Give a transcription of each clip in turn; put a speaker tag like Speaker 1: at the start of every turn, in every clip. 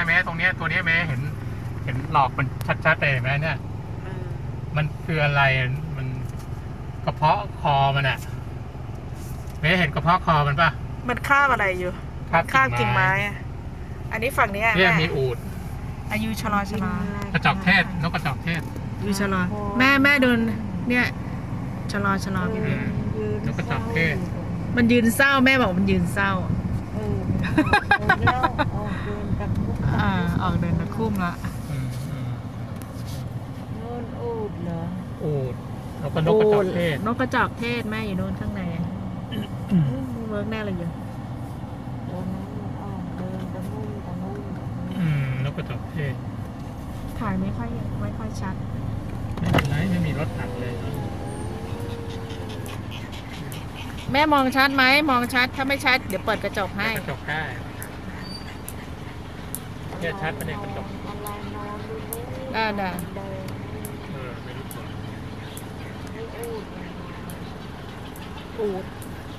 Speaker 1: แม้ตรงเนี้ยตัวเนี้ยแม้เห็นหลอกมันชัดๆเลยแม้เนี่ยมันคืออะไรมันกระเพาะคอมันอะแม้เห็นกระเพาะคอมันปะ
Speaker 2: มันคาบอะไรอยู่
Speaker 1: คาบ
Speaker 2: กิ่งไม้อะอันนี้ฝั่งนี้
Speaker 1: เนี่ย
Speaker 2: แม่
Speaker 1: มีอูฐ
Speaker 2: อายุชะล
Speaker 1: กระจอกเทศนกกระจอกเทศ
Speaker 2: อยู่ชะลอแม่เดินเนี่ยชะลอพี่
Speaker 1: นกกระจอกเทศ
Speaker 2: มันยืนเศร้าแม่บอกมันยืนเศร้าออกเดินตะคุ่มละ
Speaker 1: อูฐแล้วก็นกกระจอกเทศ
Speaker 2: นกกระจอกเทศแม่อยู่โน่นข้างในเวิร์กแน่เลยอยู่
Speaker 1: นกกระจอกเทศ
Speaker 2: ถ่ายไม่ค่อยชัด
Speaker 1: ไม่เป็นไรไม่มีรถถังเลย
Speaker 2: แม่มองชัดไหมมองชัดถ้าไม่ชัดเดี๋ยวเปิดกระจกให้
Speaker 1: กระจกได้เนี่ยชัดประเด็นกระจก
Speaker 2: ได้
Speaker 1: ไม่รู้ตัว
Speaker 2: อูด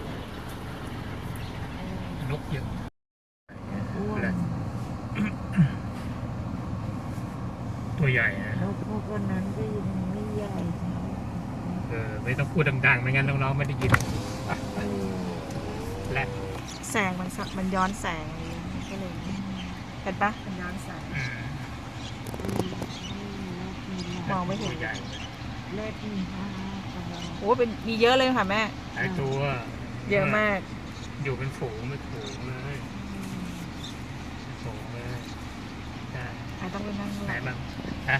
Speaker 1: นกเยอะตัวใหญ่นะ
Speaker 3: นกพวกนั้นก็ยังไม่ใหญ่
Speaker 1: ไม่ต้องพูดดังๆไม่งั้นน้องๆไม่ได้ยินและ
Speaker 2: แสงมันย้อนแสงก็เลยเห็นปะมันย้อนแสงมองไม่เห็น
Speaker 3: เล็ดมี
Speaker 2: โอ้เป็นมีเยอะเลยค่ะแม่
Speaker 1: หลายตัว
Speaker 2: เยอะมาก
Speaker 1: อยู่เป็นฝูงเลยฝูงเลยใช่
Speaker 2: ต้องไปนั่ง
Speaker 1: ไหนบ้างฮะ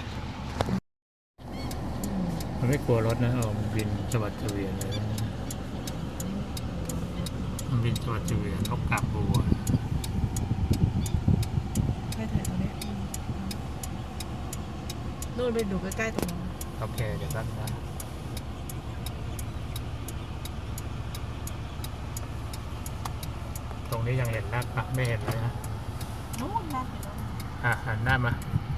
Speaker 1: มันไม่กลัวรถนะมันบินสวัสดิ์เฉวียนเลยมันบินสวัสดิ์เฉวียนนกกาบบัว
Speaker 2: ให้ถ่ายตรงนี้นู่นไปดูใกล้ๆตรงนั้น
Speaker 1: โอเคเดี๋ยวแป๊บนะตรงนี้ยังเห็นนักปะไม่เห็นเลยนะ
Speaker 2: นู่นนักเห็น
Speaker 1: แล้วหันหน้ามา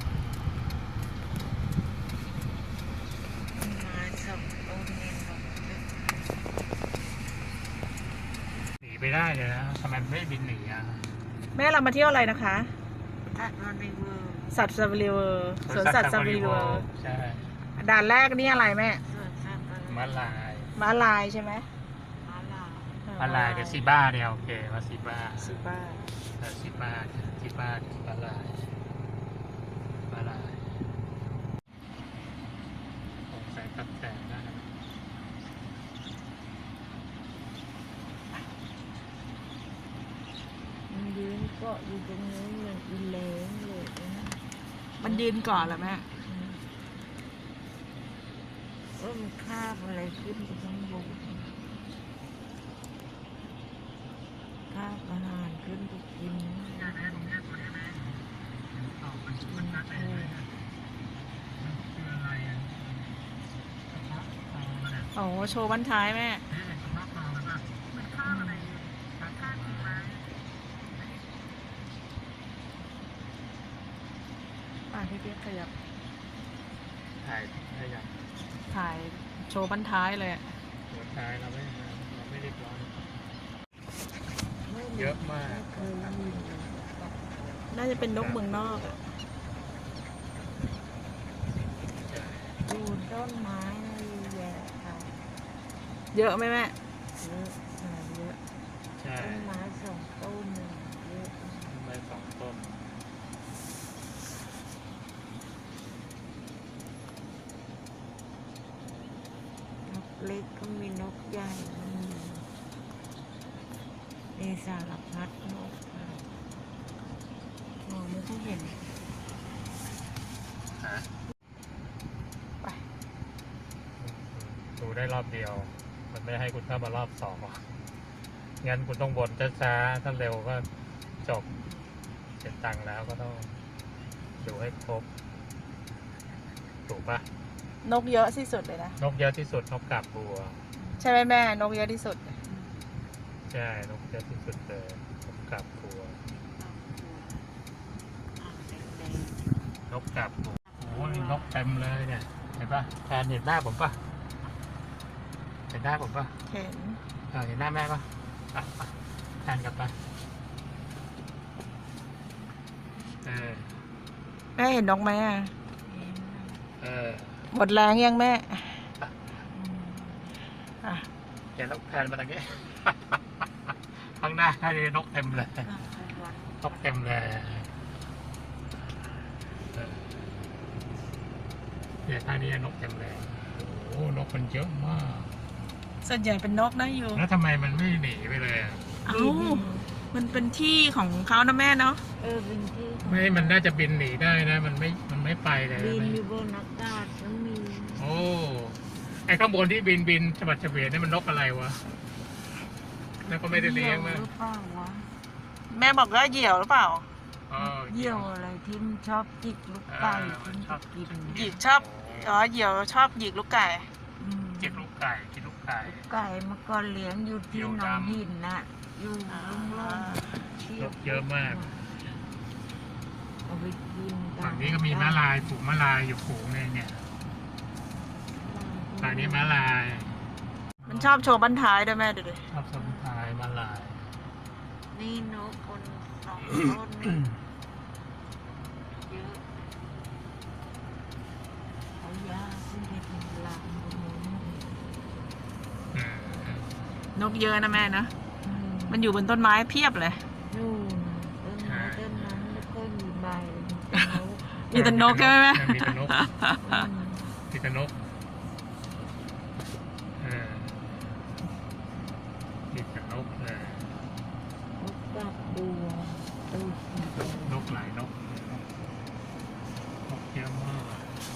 Speaker 1: หนีไปได้เลยนะทำไมไม่บินหนีอ่ะ
Speaker 2: แม่เรามาเที่ยวอะไรนะคะสัตว์ซาฟารีเวิร์สวนสัตว์ซาฟารีเวิร์
Speaker 1: ใช่
Speaker 2: ด่านแรกนี่อะไรแม่
Speaker 1: ม้าล
Speaker 2: ายใช่ไหม
Speaker 1: ม้าลายกับซีบ้าเนี่ยโอเคว่าซีบ้าม้าลายสงสัยตัดแต่งได้
Speaker 3: มันยืนเกาะอยู่ตรงนี้เหมือนอีเล้งเลย
Speaker 2: มันยืนก่อนเหรอแม่
Speaker 3: มันคาบอะไรขึ้นไปข้างบนคาบอาหารขึ้นไปกิน
Speaker 2: โอ้โชว์บั้นท้ายแม่พี่เปี๊ยกขยับถ่ายโชว์บั้นท้ายเลย
Speaker 1: โชว์ท้ายเราไม่เรียบร้อยเยอะมาก
Speaker 2: น่าจะเป็นนกเมืองนอก
Speaker 3: ดูต้นไม้แย่ค่ะ
Speaker 2: เยอะไหมแม่
Speaker 3: เยอะต้นไม้2 ต้นเยอะ
Speaker 1: ต้นไม้2 ต้น
Speaker 3: เล็กก็มีนกใหญ่มีสารพัดนก
Speaker 2: มองไม่ค่อยเห็น
Speaker 1: ไปดูได้รอบเดียวมันไม่ให้คุณเข้ามารอบ2งั้นคุณต้องบ่นช้าๆถ้าเร็วก็จบเสร็จตังค์แล้วก็ต้องดูให้ครบถูกปะ
Speaker 2: นกเยอะที่สุดเลยนะ
Speaker 1: นกเยอะที่สุดนกกาบบัว
Speaker 2: ใช่ไหมแม่นกเยอะที่สุด
Speaker 1: ใช่นกเยอะที่สุดเลยนกกาบบัวนกกาบบัวโอ้ยนกเต็มเลยเนี่ยเห็นปะแทนเห็นหน้าผมปะเห็นหน้าผมปะ
Speaker 2: เห็น
Speaker 1: เห็นหน้าแม่ปะแทนกลับไปเออ
Speaker 2: แม่เห็นนกไหมอ่ะ
Speaker 1: เออ
Speaker 2: หมดแรงยังแม่อ่ะ
Speaker 1: เดี๋ยวนกแพนมาตรงนี้ ข้างหน้าให้นกเต็มเลยนกเต็มเลยเนี่ยท่านี้นกเต็มเลยโอ้โหนกมันเยอะมาก
Speaker 2: ส่วนใหญ่เป็นนกนะอยู่
Speaker 1: แล้วทำไมมันไม่หนีไปเลยอะ
Speaker 2: เอ้ามันเป็นที่ของเขานะแม่เนาะ
Speaker 3: เป็นที่
Speaker 1: ไม่มันน่าจะบินหนีได้นะ มันไม่ไปเลย
Speaker 3: บิน
Speaker 1: นะ
Speaker 3: อยู่บนอากาศก็มี
Speaker 1: โอ้ไอ้ข้างบนที่บินฉบัดเฉวียนนี่มันนกอะไรวะแล้วก็ไม่ได้เลี้ยงมั้ย
Speaker 3: หรือเปล่าวะ
Speaker 2: แม่บอกว่าเหยี่ยวหรือเปล่า
Speaker 1: อ๋อ
Speaker 3: เยี่ยวอะไรที่มันชอบจิกลูกไก่ที่มันจะกิน
Speaker 2: หยิกชอบเหยี่ยวชอบหยิกลูกไก่
Speaker 1: กินลูกไก่กินลูกไก่
Speaker 3: ไก่เมื่อก่อนเลี้ยงอยู่ที่หนองหินน่ะอยู่ลุ่มๆที่
Speaker 1: นกเยอะมาก
Speaker 3: เอาไปกิน
Speaker 1: ฝั่งนี้ก็มีม้าลายฝูงม้าลายอยู่ฝูงนึงเนี่ยฝั่งนี้ม้าลาย
Speaker 2: มันชอบโชว์บั้นท้ายด้วยแม่ดูดิ
Speaker 1: ชอบสมุนไพรม้าลาย
Speaker 3: นี่นกคนสองต้นนี่เยอะเอายาขึ้นไปทำลายบนนู้น
Speaker 1: อืม
Speaker 2: นกเยอะนะแม่นะมันอยู่บนต้นไม้เพียบเลย
Speaker 3: นู่นต้นไม้ต้นนั้นแล้วก็มีใบ
Speaker 2: มีแต่นกใช่ไหมแม่
Speaker 1: มีแต่นกมีแต่นกเออมีแต่นกเลย
Speaker 3: นกกาบบัวตูดสีแดง
Speaker 1: นกหลายนกนกเยอะมาก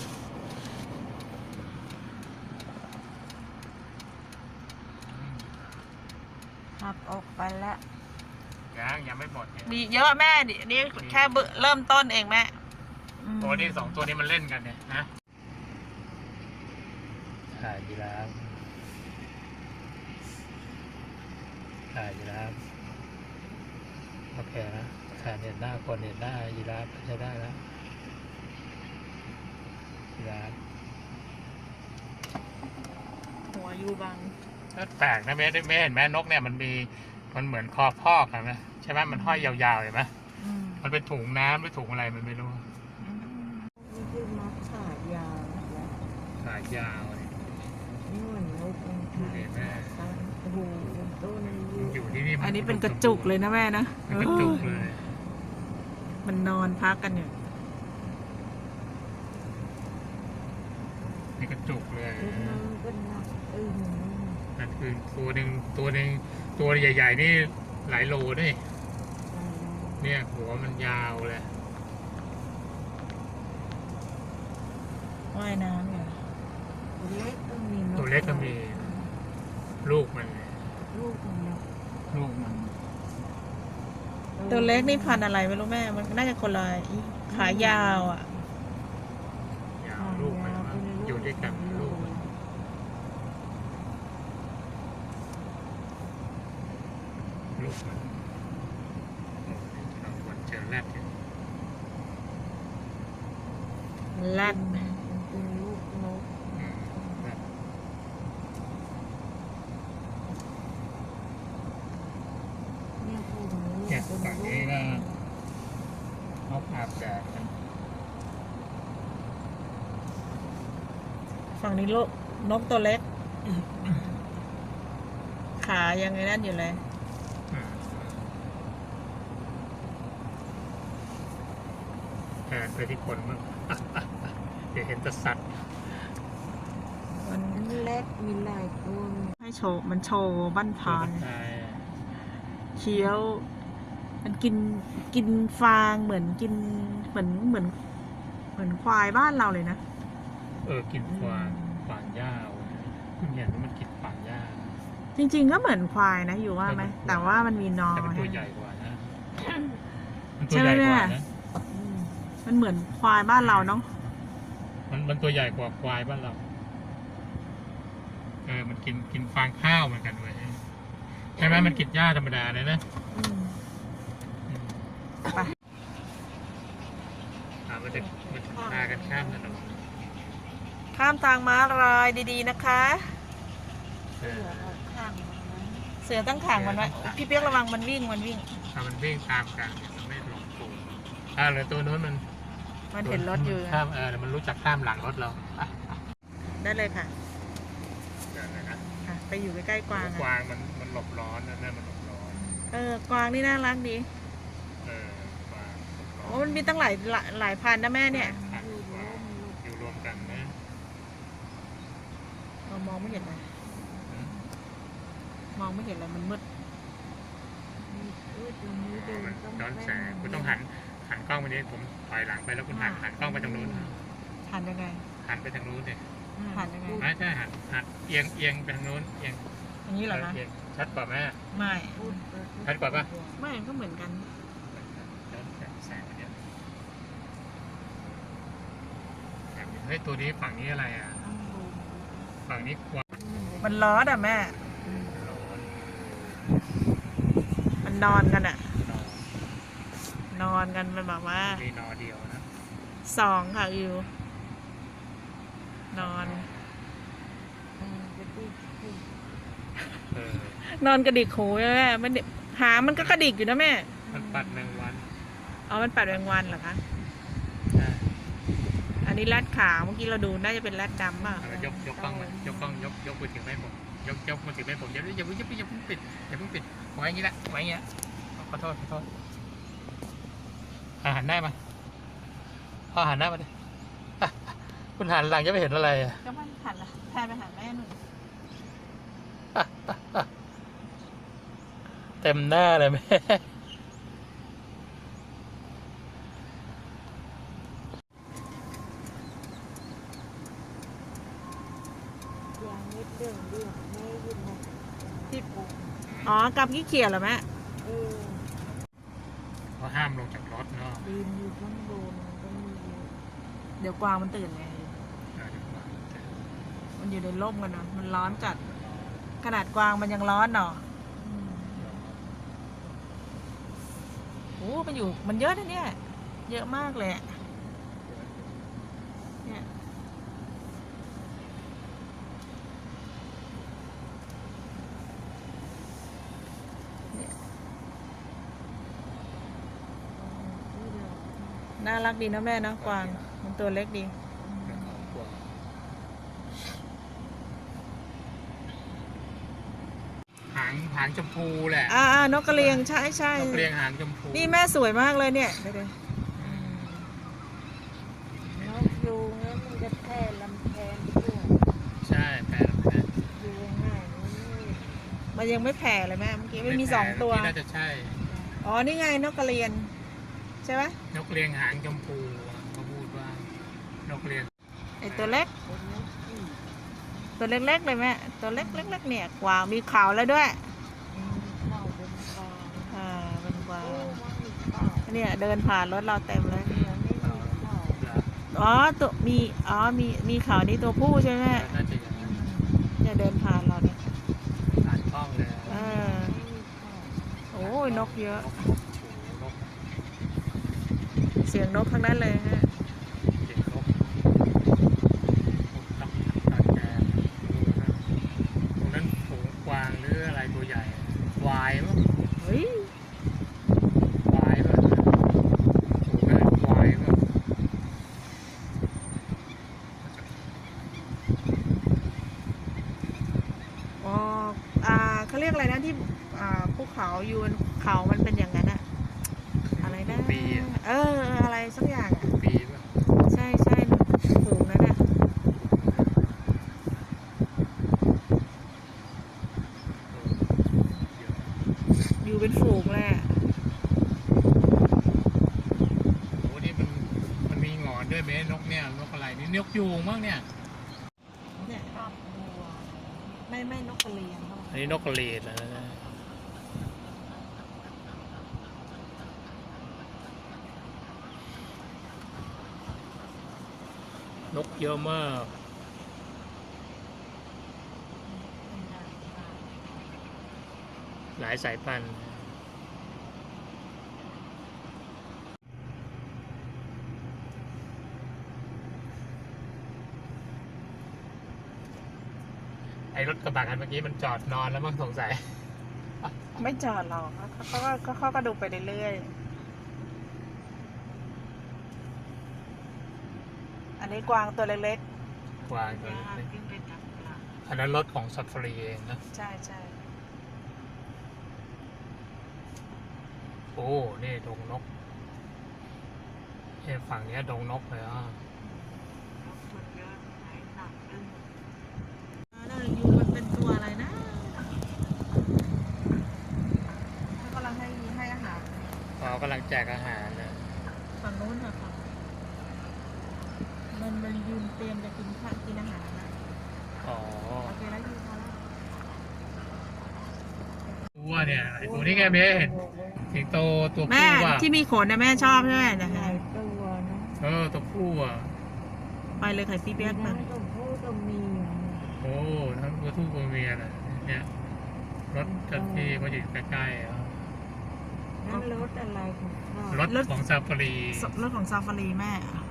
Speaker 3: ขับออกไปแล้ว
Speaker 1: ยังไม่หมดเนี่ย
Speaker 2: มีเยอะแม่ดินี่แค่เริ่มต้นเองแม่
Speaker 1: ตัวนี้สองตัวนี้มันเล่นกันเนี่ยนะถ่ายยีราฟถ่ายยีราฟโอเคนะถ่ายเห็นหน้าคนเห็นหน้ายีราฟใช้ได้แล้วยีราฟ
Speaker 2: หัวอยู่บาง
Speaker 1: ก็แปลกนะไม่เห็นแม่นกเนี่ยมันเหมือนคอพอกอะนะใช่ไหมมันห้อยยาวๆเห็นไหมมันเป็นถุงน้ำหรือถุงอะไรมันไม่รู้
Speaker 3: นี่คือมัดขายาวนะคะ
Speaker 1: สายยาวเนี่ย
Speaker 3: นี่เหมือนนกมันขายสั้นโอ้โหต้น
Speaker 1: มันอยู่ที่นี่
Speaker 2: อันนี้เป็นกระจุกเลยนะแม่นะ
Speaker 1: เป็นกระจุกเลย
Speaker 2: มันนอนพักกันอยู่
Speaker 1: เป็นกระจุกเลย
Speaker 3: ต้นนั้นก็หนัก
Speaker 1: นั่นคือตัวหนึ่งตัวใหญ่ๆนี่หลายโลด้วยเนี่ยหัวมันยาวเลย
Speaker 2: ว่ายน้ำอยู่
Speaker 3: ตัวเล็กก็มี
Speaker 1: ตัวเล็กก็มีลูกมัน
Speaker 3: ลูกของนก
Speaker 1: ลูกมัน
Speaker 2: ตัวเล็กนี่พันธุ์อะไรไม่รู้แม่ มันน่าจะคนละขายาวอ่ะ
Speaker 1: ยาวลูกมันอยู่ด้วยกันลูกมันลูกมันเราควรเจอแรดเนี่ย
Speaker 2: แรด
Speaker 3: เป็นลูกนก
Speaker 1: แรด
Speaker 3: เนี่ยพวกนี้
Speaker 1: เนี่ยฝั่งนี้ก็นกอาบแดดกัน
Speaker 2: ฝั่งนี้ลูกนกตัวเล็ก ขายังไงนั่นอยู่เลย
Speaker 1: แทนไปที่คนมั้ง เดี๋ยวเห็นแต่สัตว์
Speaker 2: มัน
Speaker 3: เล็กมีหลายตัว
Speaker 2: ให้โชว์มันโชว์บั้น
Speaker 1: ตัว
Speaker 2: ทาน
Speaker 1: มันตาย
Speaker 2: เคี้ยว มันกินฟางเหมือนกินเหมือนควายบ้านเราเลยนะ
Speaker 1: กินฟางหญ้าคุณเห็นว่ามันกินฟางหญ้า
Speaker 2: จริงๆก็เหมือนควายนะอยู่ว่าไหมแต่ว่ามันมีนอ
Speaker 1: แต่มันตัวใหญ่กว่านะมันตั
Speaker 2: ใช่
Speaker 1: ว
Speaker 2: ไหม
Speaker 1: ใหญ่กว่า
Speaker 2: แม่
Speaker 1: นะ
Speaker 2: มันเหมือนควายบ้านเราเนาะ
Speaker 1: มันตัวใหญ่กว่าควายบ้านเรามันกินฟางข้าวเหมือนกันเว้ยใช่ไหมมันกินหญ้าธรรมดาเลยนะ
Speaker 2: ไป
Speaker 1: มันจะพากันข้ามถนน
Speaker 2: ข้ามทางม้าลายดีๆนะคะ
Speaker 1: เออ
Speaker 3: ข้างนั้น
Speaker 2: เสือตั้งขังมันไว้พี่เปียกระวังมันวิ่ง
Speaker 1: ถ้ามันวิ่งตามกันเนี่ยมันไม่หลงตัวเหลือตัวนู้นมัน
Speaker 2: มันเห็นรถอยู่
Speaker 1: ข้ามเดี๋ยวมันรู้จักข้ามหลังรถเราอ่ะ
Speaker 2: ได้เลยค่ะ
Speaker 1: เดี๋ยวนะ
Speaker 2: ค่ะ ไปอยู่ใกล้ๆกวาง
Speaker 1: ก
Speaker 2: อะ
Speaker 1: วางมันหลบร้อนนะนั่นมันหลบร้อน
Speaker 2: กวางนี่น่ารักดี
Speaker 1: กวางหลบร้อ
Speaker 2: โอ้
Speaker 1: น
Speaker 2: มันมีตั้งหลายพันนะแม่เนี่ย
Speaker 1: พันกว่าอยู่รวมกันนะ
Speaker 2: เรามองไม่เห็นเลยมองไม่เห็นเลยมันมืด
Speaker 1: มันย้อนแสงคุณต้องหันกล้องไปนี้ผมถอยหลังไปแล้วคุณหันกล้องไปทางนู้น
Speaker 2: หันยังไง
Speaker 1: หันไปทางนู้นเลย
Speaker 2: หันยังไง
Speaker 1: ไม่ใช่หันเอียงไปทางนู้นเอียง
Speaker 2: อย่างนี้เหรอคะ
Speaker 1: เอียงชัดกว่าไหม
Speaker 2: ไม่
Speaker 1: ชัดกว่าปะ
Speaker 2: ไม่ก็เหมือนกัน
Speaker 1: ย้อนแสงเนี่ยเฮ้ยตัวนี้ฝั่งนี้อะไรอ่ะฝั่งนี้กวาง
Speaker 2: มันร้อนอ่ะแม่
Speaker 1: ร้อน
Speaker 2: มันนอนกันอ่ะ
Speaker 1: นอน
Speaker 2: นอนกันเป็นแบบว่า
Speaker 1: มีนอเดียวนะ
Speaker 2: 2ค่ะอิว นอน นอนกระดิกหูใช่ไหมมันหางมันก็กระดิกอยู่นะแม่
Speaker 1: มันปัดแมงวัน
Speaker 2: อ๋อ มันปัดแมงวันเหรอคะ อันนี้แรดขาวเมื่อกี้เราดูน่าจะเป็นแรดดำป่ะ
Speaker 1: ยกกล้องมายกกล้องยกมือถือให้ผมยกมือถือให้ผมอย่าเพิ่งปิดไว้อย่างนี้ละไว้อย่างนี้ละขอโทษหันหน้ามาหันหน้ามาดิคุณหันหลังจะไม่เห็นอะไรอ่ะ
Speaker 2: ก็มันหันละแพนไปหาแม่หนู
Speaker 1: เต็มหน้าเลยแม่
Speaker 2: อ๋อกำขี้เกียจเหรอแม่
Speaker 1: เขาห้ามลงจากรถเนาะ
Speaker 2: เดี๋ยวกวางมันตื่นไง มันอยู่ในร่มกันเนาะ มันร้อนจัด ขนาดกวางมันยังร้อนเนาะโอ้มันเยอะนะเนี่ย เยอะมากเลยอะเนี่ยน่ารักดีนะแม่เนาะกวาง มันตัวเล็กดี
Speaker 1: หางชมพูแหละ
Speaker 2: นกกระเรียงใช่
Speaker 1: นกเรียงหางชมพู
Speaker 2: นี่แม่สวยมากเลยเนี่ยเดี๋ยว
Speaker 3: นกยูงแล้วมันจะแพร่ลำแพนทั่ว
Speaker 1: ใช่แปด
Speaker 3: ยูงง่ายนี่
Speaker 2: มันยังไม่แผ่เลยแม่เมื่อกี้ไม่มี2 ตัว
Speaker 1: น่าจะใช่
Speaker 2: อ๋อ นี่ไงนกกระเรียน ใช่ไหม
Speaker 1: นกเรียงหางชมพูเขาพูดว่านกเรียง
Speaker 2: ไอตัวเล็ก
Speaker 3: เป็นนกที่
Speaker 2: ตัวเล็กๆเลยแม่ตัวเล็กๆเนี่ยกวางมีเขาแล้วด้วย
Speaker 3: เข้าเป็นกลาง
Speaker 2: เป็นกวาง
Speaker 3: มันมีเข้า
Speaker 2: เนี่ยเดินผ่านรถเราเต็มเลย
Speaker 3: เนี่ยไม่มีเข้า
Speaker 2: อ๋อตัวมีเขานี่ตัวผู้ใช่ไหม
Speaker 1: น่าจะอย่างนั้น
Speaker 2: เนี่ยเดินผ่านเราเนี่ย
Speaker 1: ผ่านกล้องเลย
Speaker 3: ไม่มีเข้า
Speaker 2: โอ้ยนกเยอะ
Speaker 1: นก
Speaker 2: เสียงนกทั้งนั้นเลยฮะ
Speaker 1: เด็กนกตักแกตรงนั้นฝูงกวางหรืออะไรตัวใหญ่วายมั้ง
Speaker 2: เฮ้ยว
Speaker 1: ายป่ะฝูงนั้นวายป่ะ
Speaker 2: อ๋อเขาเรียกอะไรนะที่ภูเขาอยู่บนเขามันเป็นอย่างนั้นอะอะไรนะ
Speaker 1: ปีอ่ะ
Speaker 2: อะไรสักอย่างอะ
Speaker 1: ปีป่ะ
Speaker 2: ใช่ฝูงนั้นอะอยู่เป็นฝูงเลยอะ
Speaker 1: โอ้นี่มันมีหงอนด้วยไหมนกเนี่ยนกอะไรนี่นกยูงมั้งเนี่ย
Speaker 2: เนี่ย
Speaker 3: ภาพบัว
Speaker 2: ไม่นกกระเรียนเขาบอก
Speaker 1: อันนี้นกกระเรียนนะนกเยอะมาก หลายสายพันธุ์ไอ้รถกระบะคันเมื่อกี้มันจอดนอนแล้วมั้งสงสัย
Speaker 2: ไม่จอดหรอกเขาก็ดูไปเรื่อยนนี้กวางตัวเล็ก
Speaker 1: กวางตัว
Speaker 3: ย่า
Speaker 1: เล็ก
Speaker 3: ขึ้นไปทำหลัง
Speaker 1: อันนั้นรถของซัฟฟารีเองนะ
Speaker 2: ๆใช่ใช่
Speaker 1: โอ้ นี่ดงนกฝั่งเนี้ยดงนกเลยอ่ะ
Speaker 3: รถคนเยอะไหนหนักอึ้ง
Speaker 2: นั่นยูมันเป็นตัวอะไรนะเขากำลังให้อาหาร
Speaker 1: เรากำลังแจกอาหารนะ
Speaker 2: ฝั่งนู้นค่ะฝั่งมันยืนเตรียมจะกินข้าวกินอาหารนะ
Speaker 1: อ๋อ
Speaker 2: โอเคแล้วยูพอแล้ว
Speaker 1: ตัวเนี่ยไอ้ตัวนี้แกเบ้เห็นสิงโตตัว
Speaker 2: แม่
Speaker 1: ผู้อ่ะ
Speaker 2: ที่มีขนนะแม่ชอบใช่ไหมนะ
Speaker 3: ห
Speaker 2: คะ
Speaker 3: ลายตัวนะ
Speaker 1: ตัวผู้อ่ะ
Speaker 2: ไปเลยไข่ปีเปียก
Speaker 3: ทั้
Speaker 2: มาง
Speaker 3: ตัวผู้ตัวเมีย
Speaker 1: โอ้ทั้งตัวผู้ตัวเมียนะเนี่ยรถเจ้าที่ก็อยู่ใกล้ๆอ่ะ
Speaker 3: นั่นรถอะไรของเขา
Speaker 1: รถของซาฟารี
Speaker 2: รถของซาฟารีแม่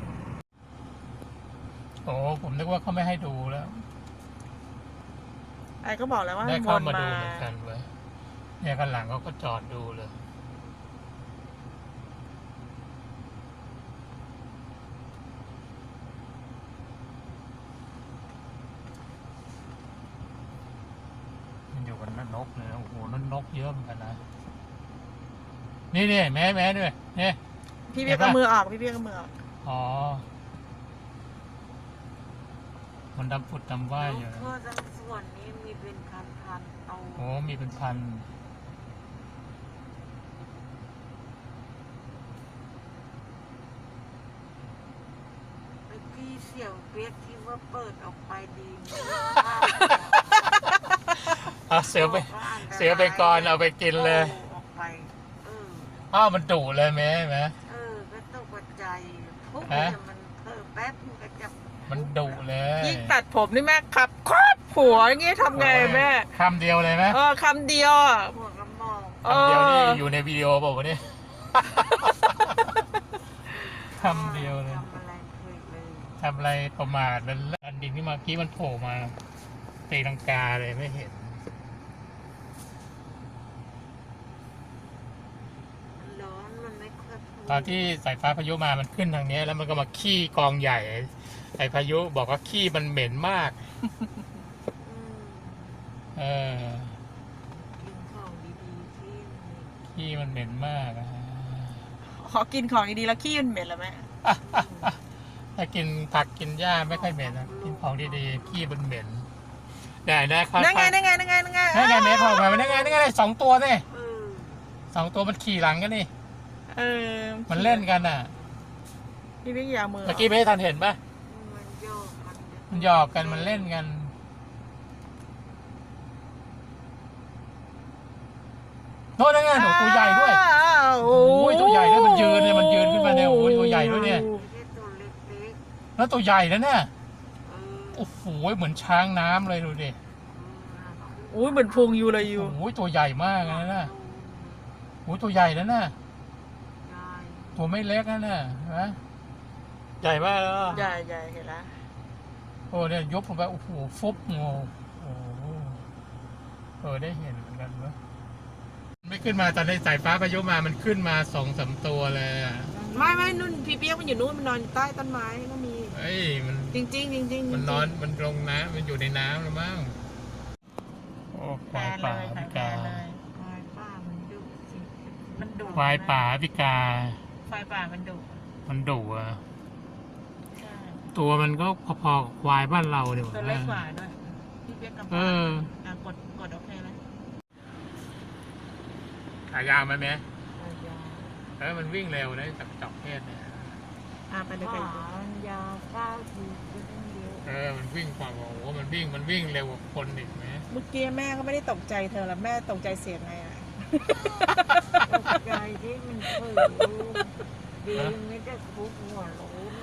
Speaker 1: โอ้ผมนึกว่าเขาไม่ให้ดูแล้ว
Speaker 2: ไอ้ก็บอกแล้วว่า
Speaker 1: ได้
Speaker 2: ว
Speaker 1: เข้าน มาดูเหมือนกันเว้ยเนี่ยข้างหลังเขาก็จอดดูเลยมันอยู่กันนกเลยนะโอ้โหนั่นนกเยอะเหมือนกันนะนี่แม่ด้วยนี่
Speaker 2: พี่เปียกเอามือออกพี่เปียกเอามือออก
Speaker 1: อ๋อมันดำผุดดำว่ายอยู่นะ
Speaker 3: ทั่วทั้งส่วนนี้มีเป็นพันๆตัว
Speaker 1: โอ้มีเป็นพัน
Speaker 3: ไอ้พี่เสี่ยวเปียกที่ว่าเปิดออกไปดีไหม
Speaker 1: เอาเสือไปก่อนเอาไปกินเลย
Speaker 3: ออกไปเออ
Speaker 1: อ้าวมันดุเลยแม่
Speaker 3: ก็ตกใจทุก
Speaker 1: ฮะ
Speaker 3: เนี่ยมันแป๊บมันก็จะ
Speaker 1: มันดุเลย
Speaker 2: ยิ่งตัดผมนี่แม่ครับครอบหัวอย่างงี้ทำไงแม่
Speaker 1: คำเดียวเลยไหม
Speaker 2: คำเดียวอะ
Speaker 3: หัวกระหมอง
Speaker 2: เออ
Speaker 1: คำเดียวนี่อยู่ในวิดีโอเปล่าวะเนี่ยคำเดียวเลย
Speaker 3: ทำอะไรเคยเลย
Speaker 1: ทำอะไรประมาทมันอันดินที่เมื่อกี้มันโผล่มาตีลังกาเลยไม่เห็น
Speaker 3: มันร้อนมันไม่ค่อยพูด
Speaker 1: ตอนที่สายฟ้าพายุมามันขึ้นทางเนี้ยแล้วมันก็มาขี้กองใหญ่ไอ้พายุบอกว่าขี้มันเหม็นมาก
Speaker 3: อืม
Speaker 1: กิน
Speaker 3: กินของดีๆที่
Speaker 1: ขี้มันเหม็นมากอะ
Speaker 2: ขอกินของดีๆแล้วขี้มันเหม็นแล้วแม่
Speaker 1: ถ้ากินผักกินหญ้าไม่ค่อยเหม็นนะกินของดีๆขี้มันเหม็นได้นะครับ
Speaker 2: นั่นไง
Speaker 1: นั่นไงเมย์พอมานั่นไงสองตัวนี่
Speaker 3: เออ
Speaker 1: สองตัวมันขี่หลังกันนี่
Speaker 2: เออ
Speaker 1: มันเล่นกันอ่ะ
Speaker 2: พี่เปียกอยามือ
Speaker 1: เมื่อกี้ไม่ทันเห็นปะ
Speaker 3: มันโยกมัน
Speaker 1: มันหยอกกันมันเล่นกันโน่นนั่นไงหนูตัวใหญ่ด้วย
Speaker 2: โอ้
Speaker 1: โอ้ยตัวใหญ่ด้วยมันยืนขึ้นมาเนี่ยโอ้ยตัวใหญ่ด้วยเนี่ย
Speaker 3: ไม่ใช่ตัวเล็ก
Speaker 1: แล้วตัวใหญ่แล้วเนี่ย
Speaker 3: ๆ
Speaker 1: โอ้โหเหมือนช้างน้ำเลยดูดิ
Speaker 2: อุ้ยเหมือนพุงอยู่เลยอยู่
Speaker 1: โอ้ยตัวใหญ่มากนะน่ะโอ้ยตัวใหญ่แล้วน่ะ
Speaker 3: ใช่
Speaker 1: ตัวไม่เล็กนะน่ะเห็นไหมใหญ่มากแล้ว
Speaker 2: ใหญ่ใหญ่เห็นแล้ว
Speaker 1: โอ้เนี่ยยกลงไปโอ้โหฟุบโอ้โหได้เห็นเหมือนกันเว้ยไม่ขึ้นมาตอนในสายฟ้าพายุมามันขึ้นมา2-3ตัวเลยอะ
Speaker 2: ไม่นุ่นพี่เปียกมันอยู่นู่นมันนอนอยู่ใต้ต้นไม้ก็มี
Speaker 1: เอ้ยมัน
Speaker 2: จริงจริงจริง
Speaker 1: มันนอนมันลงน้ำมันอยู่ในน้ำแล้วมั้งโอ้ควายป่าพิกา
Speaker 3: ควายป้ามันดุสิมันดุ
Speaker 1: ควายป่าพิกา
Speaker 2: ไฟป่ามันดุ
Speaker 1: มันดุอ่ะ
Speaker 2: ใช่
Speaker 1: ตัวมันก็พอๆกับควายบ้านเราเดี๋ยว
Speaker 2: ตัวเล็กกว่าด้วยพี่เปียกกับ
Speaker 1: เออ
Speaker 2: กดโอเคแล้ว
Speaker 1: ขายาวไหมแม่
Speaker 3: ยาว
Speaker 1: มันวิ่งเร็วนะจากจอกเทศเนี่ย
Speaker 2: ไปเลย
Speaker 3: ขา
Speaker 2: ไป
Speaker 3: มันยาว9 ทีก็ต้องเดียว
Speaker 1: มันวิ่งกว่าโอ้โหมันวิ่งเร็วกว่าคนอีกไหม
Speaker 2: เมื่อกี้แม่ก็ไม่ได้ตกใจเธอแล้วแม่ตกใจเสียงไงอ่ะ
Speaker 3: ตกใจที่มันเผลอดีไม่ได้คุกหัวโล้น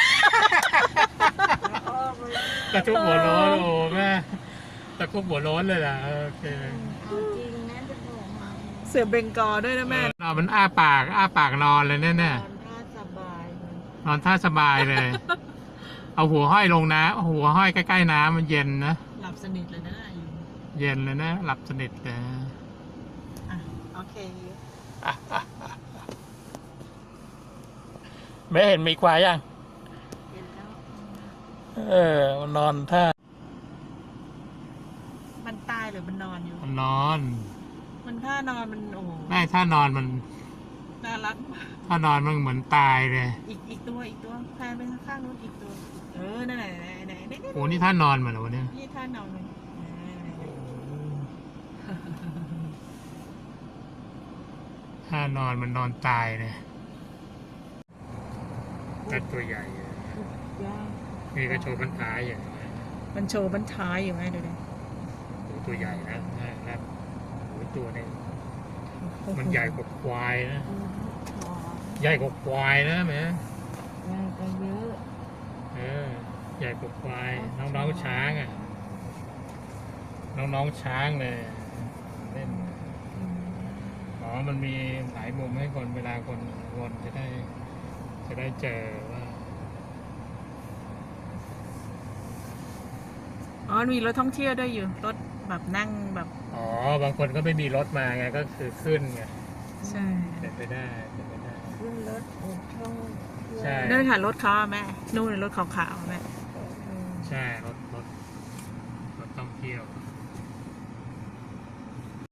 Speaker 3: แล้วก็ไป
Speaker 1: ตะทุบหัวโล้นโอ้แม่ตะทุบหัวโล้นเลยล่ะโอเค
Speaker 3: เอาจริงนะจะบอกมา
Speaker 2: เสือเบงกอลด้วยนะแม่
Speaker 1: มันอ้าปากนอนเลยแน่
Speaker 3: นอนท่าสบายมัน
Speaker 1: ๆนอนท่าสบายเลย เอาหัวห้อยลงน้ำเอาหัวห้อยใกล้ๆน้ำมันเย็นนะ
Speaker 2: หลับสนิทเลยนะอยู่
Speaker 1: เย็นเลยนะหลับสนิทเลย
Speaker 2: โอเค
Speaker 1: ไม่เห็นมีควายยัง
Speaker 3: เห็นแล้ว
Speaker 1: มันนอนท่า
Speaker 2: มันตายหรือมันนอนอยู่
Speaker 1: มันนอน
Speaker 2: มันท่านอนมันโอ้โห
Speaker 1: ไม่ถ้านอนมัน
Speaker 2: น่ารัก
Speaker 1: ถ้านอนมันเหมือนตายเลย
Speaker 2: อีกตัวแพนไปข้างๆนู้นอีกตัว นั่นไหนนี่
Speaker 1: โอ้นี่ท่านอนมันเหรอวะเนี่ย
Speaker 2: นี่ท่านอนมัน
Speaker 1: ท่านอนมันนอนตายเลยก็ตัวใหญ่
Speaker 3: ย่าง
Speaker 1: นี่ก็โชว์พันท้ายอย่างนี้
Speaker 2: มันโชว์บันท้ายอยู่ไงดูดิ
Speaker 1: โอ้ตัวใหญ่นะครับโอ้ตัวนี้มันใหญ่กว่าควายนะ
Speaker 3: ขอ
Speaker 1: ใหญ่กว่าควายนะแม่
Speaker 3: ย่างก็เยอะ
Speaker 1: ใหญ่กว่าควายน้องๆช้างอ่ะน้องๆช้างเลยเล่นอ๋อมันมีหลายมุมให้คนเวลาคนวนจะได้เจอว่า
Speaker 2: อ๋อมีรถท่องเที่ยวด้วยอยู่ รถแบบนั่งแบบ
Speaker 1: อ๋อบางคนก็ไม่มีรถมาไงก็คือขึ้นไง
Speaker 2: ใช่
Speaker 1: เป็นไปได้
Speaker 3: ขึ้นรถอุดช่อง
Speaker 1: ใช่
Speaker 2: นั่นค่ะรถเขาอะแม่นู่นรถขาวๆอะแม่
Speaker 1: ใช่รถท่องเที่ยว